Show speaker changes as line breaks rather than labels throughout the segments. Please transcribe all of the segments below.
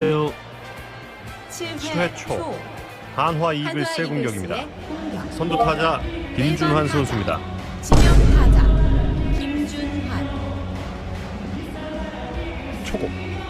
7회 초 한화 이글스의 공격입니다. 선두 타자 김준환 선수입니다.
지명 타자 김준환.
초고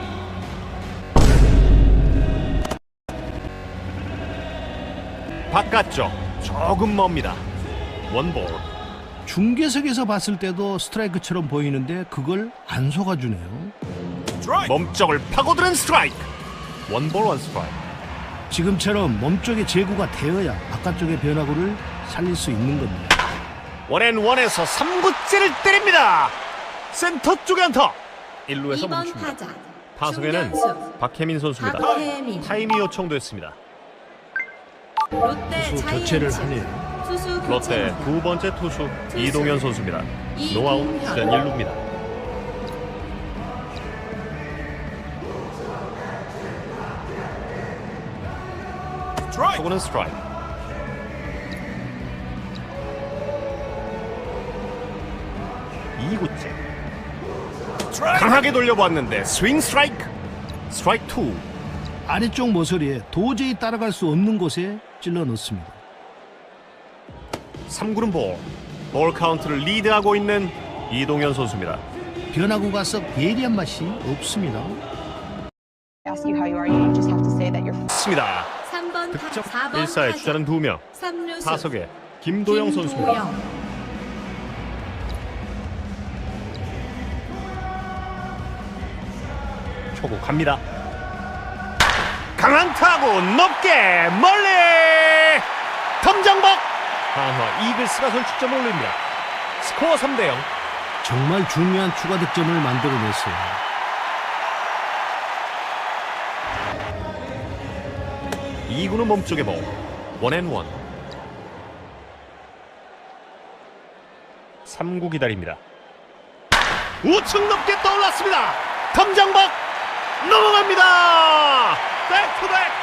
바깥쪽 조금 멉니다. 원볼.
중계석에서 봤을 때도 스트라이크처럼 보이는데 그걸 안 속아주네요.
몸쪽을 파고드는 스트라이크. 원볼 원 스트라이크.
지금처럼 몸쪽에 제구가 되어야 바깥쪽의 변화구를 살릴 수 있는 겁니다.
원앤원에서 3구째를 때립니다. 센터 쪽에 안타. 1루에서
2번
멈춥니다.
타자
타석에는
중견수
박혜민 선수입니다.
박혜민.
타임이 요청됐습니다.
롯데
투수 교체를
자이언츠
하네요.
투수
롯데
교체입니다.
두 번째 투수 이동현 선수입니다. 노아웃 주전 1루입니다. 초구는 스트라이크. 이구째 강하게 돌려보았는데 스윙 스트라이크. 스트라이크 2.
아래쪽 모서리에 도저히 따라갈 수 없는 곳에 찔러 넣습니다.
3구는 볼. 볼 카운트를 리드하고 있는 이동현 선수입니다.
변화구가 썩 예리한 맛이 없습니다.
ask you how you are, you just have to say that you're
습니다.
3번
득점
타자 4번
1사의
타자
주자는 2명.
3루수
타석에 김도영 선수입니다. 초구 갑니다. 강한 타구 높게 멀리 덤장박. 한화 이글스가 선취점을 올립니다. 스코어 3대0.
정말 중요한 추가 득점을 만들어냈어요.
이구는 몸쪽에 볼. 원앤원. 3구 기다립니다. 우측 높게 떠올랐습니다. 덤장박 넘어갑니다. 백투백.